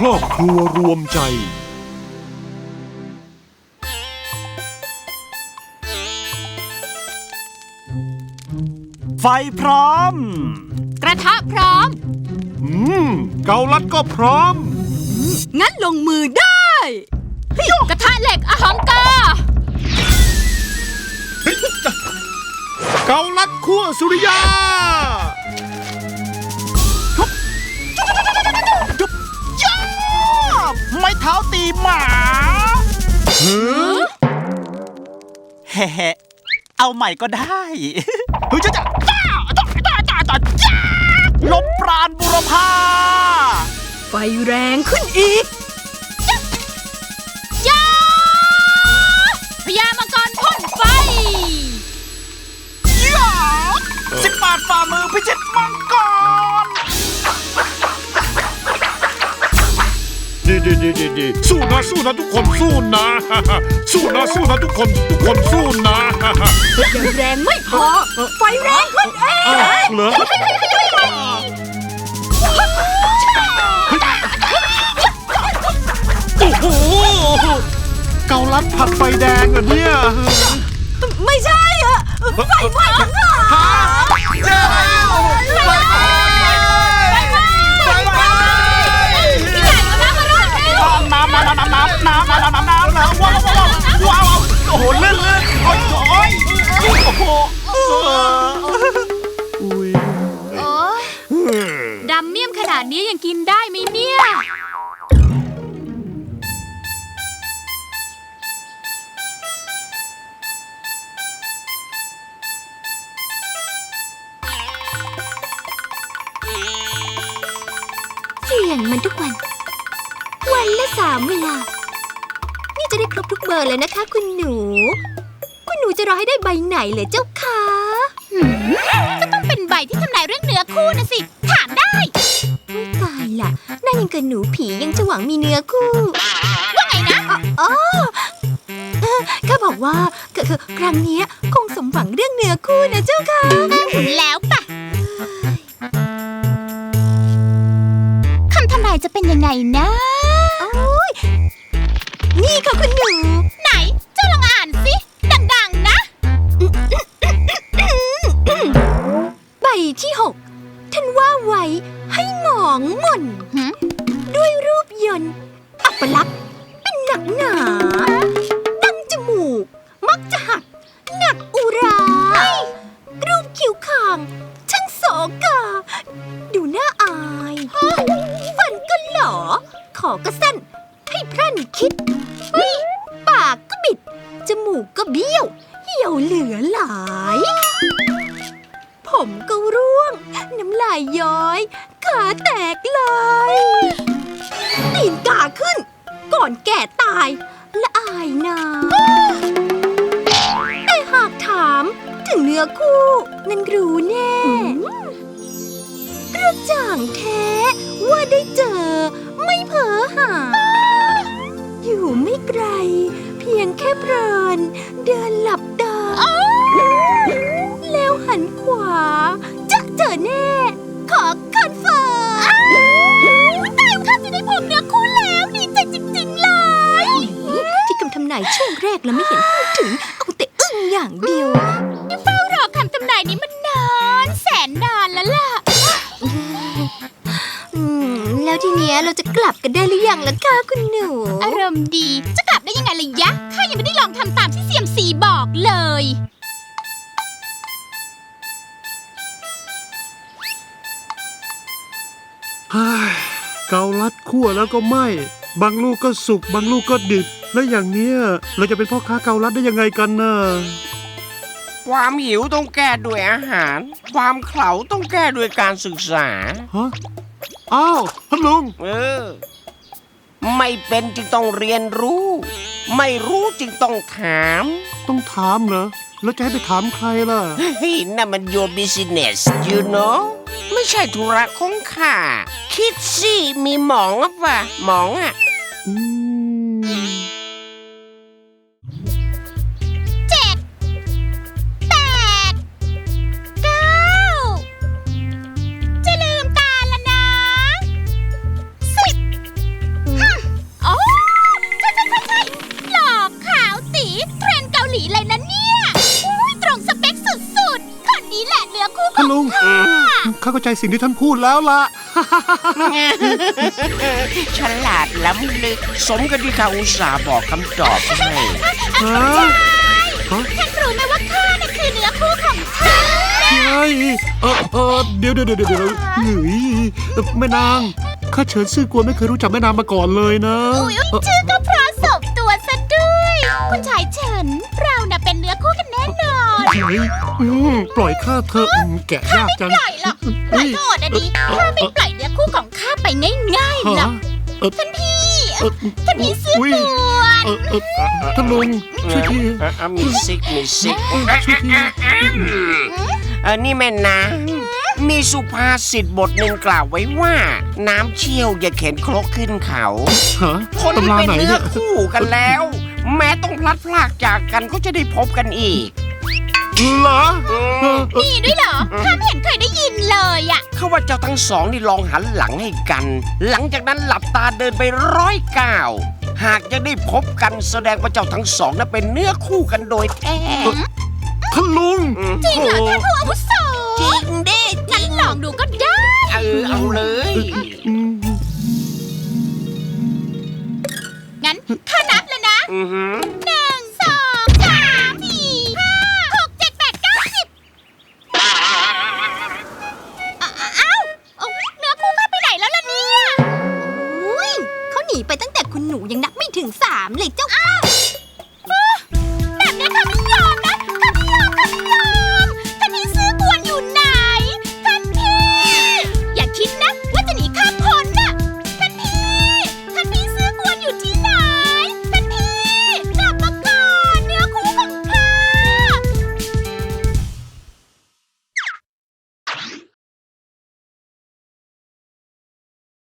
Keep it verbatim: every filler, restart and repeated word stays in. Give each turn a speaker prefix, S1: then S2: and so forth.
S1: ครอบครัวรวมใจ
S2: ไฟพร้อม
S3: กระทะพร้อม
S1: อืมเกาลัดก็พร้อม
S3: งั้นลงมือได้กระทะเหล็กอหังกา
S1: เกาลัดคั่วสุริยา
S2: ไม้เท้าตีหมาเฮ้เฮ้เอาใหม่ก็ได้เฮ้ยจ้าจ้าจ้าจ้าจ้าจ้าจ้าลมปราณบุรพา
S3: ไฟแรงขึ้นอีกจ้าพญามังกรพ่นไฟ
S2: ย่าสิบบาทฝ่ามือพิชิตมังกร
S1: ดีดีดีดีดีสู้นะสู้นะทุกคนสู้นะสู้นะสู้นะทุกคนทุกคนสู้นะ
S3: ยังแรงไม่พอไฟแรงขึ้นเอง
S1: เหรอโอ้โหเกาลัดผัดไฟแดงเหรอเนี่ย
S3: ไม่ใช่อะไฟไหม้ทั้งหลัง
S1: เจอแล้วไฟไหม้ไฟไหม้น้ำน้ำน้ำน้ำน้ำน้ำน้ำน้ำน้ำน้ำว้าวว้าวว้าวโอ้โหเลื่อนเลื่อนโอ้ยโอ้ยโอ้โหอุ้ย
S3: ดำเมี่ยมขนาดนี้ยังกินได้ไหมเนี่ย
S4: เสี่ยงมันทุกวันวันละสามเวลานี่จะได้ครบทุกเบอร์เลยนะคะคุณหนูคุณหนูจะรอให้ได้ใบไหนเลยเจ้าคะ
S3: ก็ต้องเป็นใบที่ทำนายเรื่องเนื้อคู่นะสิถามได้
S4: ตายล่ะนั่นยังกับหนูผียังจะหวังมีเนื้อคู่
S3: ว่าไงนะ
S4: อ๋อข้าบอกว่าคือครั้งนี้คงสมหวังเรื่องเนื้อคู่นะเจ้าค่ะ
S3: แล้วปะคำทำนายจะเป็นยังไงนะ
S4: โอ้ยนี่ค่ะคุณหนู
S3: ไหนเจ้าลองอ่านสิดังๆนะ
S4: ใบที่หกท่านว่าไว้ให้หมองหม่นด้วยรูปยนต์อัปลักษณ์เป็นหนักหนาดังจมูกมักจะหักหนักอุรารูปคิ้วคางช่างโสกาดูน่าอายฟันก็หลอขอก็สั้นให้พรั่นคิดปากก็บิดจมูกก็เบี้ยวเหี่ยวเหลือหลายผมก็ร่วงน้ำลายย้อยขาแตกเลยตีนกาขึ้นก่อนแก่ตายละอายนาแต่หากถามถึงเนื้อคู่นั้นรู้แน่กระจ่างแท้ว่าได้เจอไม่เพ้อหาอยู่ไม่ไกลเพียงแค่เพลินเดินหลับตาแล้วหันขวาจะเจอแน่ขอคอนเฟิร์ม
S3: ตายข้าจะได้พบเนื้อคู่แล้วดีใจจริงๆเลย
S4: ที่คำทำนายช่วงแรกแล้วไม่เห็นพูดถึงเอาแต่อึ้งอย่างเดียว
S3: นี่เฝ้ารอคำทำนายนี้มันนานแสนนานแล้วล่ะ
S4: แล้วทีเนี้ยเราจะกลับกันได้หรือยังล่ะคะคุณหนู
S3: อารมณ์ดีจะกลับได้ยังไงล่ะยะข้ายังไม่ได้ลองทำตามที่เซียมซีบอกเลย
S1: เกาลัดคั่วแล้วก็ไหม้บางลูกก็สุกบางลูกก็ดิบแล้วอย่างเนี้ยเราจะเป็นพ่อค้าเกาลัดได้ยังไงกันน่ะ
S5: ความหิวต้องแก้ด้วยอาหารความเขลาต้องแก้ด้วยการศึกษา
S1: ฮะอ้าวท่านลุง
S5: เออไม่เป็นจึงต้องเรียนรู้ไม่รู้จึงต้องถาม
S1: ต้องถามเหรอแล้วจะให้ไปถามใครล่ะ
S5: เฮ้ยนั่นมัน your business you know ไม่ใช่ธุระของข้าคิดสิมีหมองอ่ะป่ะหมองอ่ะ
S1: อืม
S3: เจ็ดแปดเก้าจะลืมตาแล้วนะสิบหลีเลยนะเนี่ยอุ้ยตรงสเปคสุดๆคนนี้แหละเนื้อคู่ข
S1: ท่า
S3: อน ง
S1: ลุงข้าเข้าใจสิ่งที่ท่านพูดแล้วล่ะ
S5: ฉลาดล้ำลึก สมกับที่ข้าอุตส่าห์บอกคำตอบให้
S1: ฮะฮะ
S3: ท่านรู้ไหมว่าข้าน่ะคือเนื้อคู่ของท่าน
S1: ใช่เออเออเดี๋ยวเดี๋ยวเดี๋ยวเดี๋ยวหนีแม่นางข้าเฉินซื่อกวนไม่เคยรู้จักแม่นางมาก่อนเลยนะ
S3: อุ้ย
S1: เอ่อ
S3: ชื่อก็เพราะสมตัวซะด้วย คุณชายเฉิน เราน่ะเป็นเนื้อคู่กันแน่นอน
S1: เฮ้ยอืมปล่อยข้าเถอะอืมแกะยากจัง
S3: ปล่อยหรอกปล่อยก็อดอะดีข้าไม่ปล่อยเนื้อคู่ของข้าไปง่ายๆหรอก
S1: เออ
S3: ท่านพี่
S1: เออ
S3: ท่านพี่ซื้อ
S1: อุ๊ย
S3: ตัว
S1: เออเออท่านลุงช่วยที
S5: เออเออมีซิกมีซิก
S1: ช่วยที
S5: เออนี่แม่นะมีสุภาษิตบทหนึ่งกล่าวไว้ว่า น้ำเชี่ยวอย่าเข็นครกขึ้นเขา
S1: ฮะ
S5: คนที่
S1: ตำรา
S5: เป็น
S1: ไหน
S5: เนื้
S1: เนี่
S5: อย คู่กันแล้ว แม้ต้องพลัดพรากจากกันก็จะได้พบกันอีก
S1: เหรอเออเออ
S3: มีด้วยเหรอข้าไม่เห็นเคยได้ยินเลยอะ
S5: เขาว่าเจ้าทั้งสองนี่ลองหันหลังให้กัน หลังจากนั้นหลับตาเดินไปร้อยก้าวหากจะได้พบกันแสดงว่าเจ้าทั้งสองนั้นเป็นเนื้อคู่กันโดยแท้
S1: ท่านลุง
S3: จริงเหรอท่านผู้อาวุโส
S5: จริงดิ
S3: งั้นลองดูก็ได้
S5: เออเอาเลย
S1: อืม
S3: งั้นข้านับเลยนะ
S5: อือหือ
S3: ห